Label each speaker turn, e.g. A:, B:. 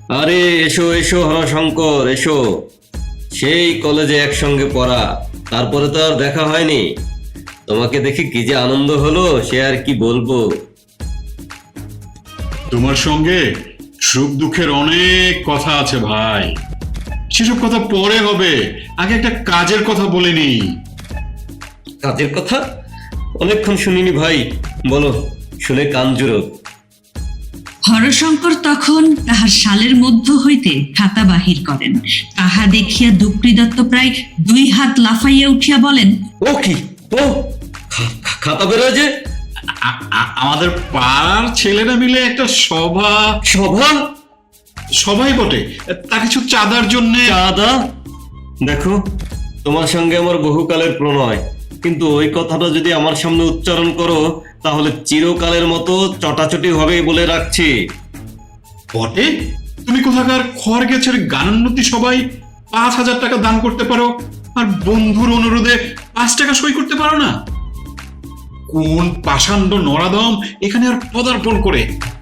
A: আরে এসো এসো হরশঙ্কর এসো। সেই কলেজে একসঙ্গে পড়া, তারপরে তো আর দেখা হয়নি। তোমাকে দেখে কি যে আনন্দ হলো সে আর কি বলবো।
B: তোমার সঙ্গে সুখ দুঃখের অনেক কথা আছে ভাই, সেসব কথা পরে হবে। আগে একটা কাজের কথা বলে নি।
A: কাজের কথা? অনেকক্ষণ শুনিনি ভাই, বলো, শুনে কান জুড়ো।
C: হরশঙ্কর তখন তাহার শালের মধ্য হইতে খাতা বাহির করেন। তাহা দেখিয়া দুপ্রি দত্ত প্রায় 2 হাত লাফাইয়া উঠিয়া বলেন,
A: ও কি, ও খাতা বেরোয় যে?
B: আমাদের পাড়ার ছেলেরা মিলে একটা সভা।
A: সভা?
B: সবাই বটে, তা কিছু চাঁদার জন্য।
A: চাঁদা? দেখো, তোমার সঙ্গে আমার বহুকালের প্রণয়, কিন্তু ওই কথাটা যদি আমার সামনে উচ্চারণ করো তাহলে চিরকালের মতো চটাচটি হবে বলে রাখছি।
B: বটে, তুমি কোথাকার খড় গেছের গানোন্নতি সবাই 5,000 টাকা দান করতে পারো, আর বন্ধুর অনুরোধে 5 টাকা সই করতে পারো না? কোন পাষাণ্ড নরাধম এখানে আর পদার্পণ করে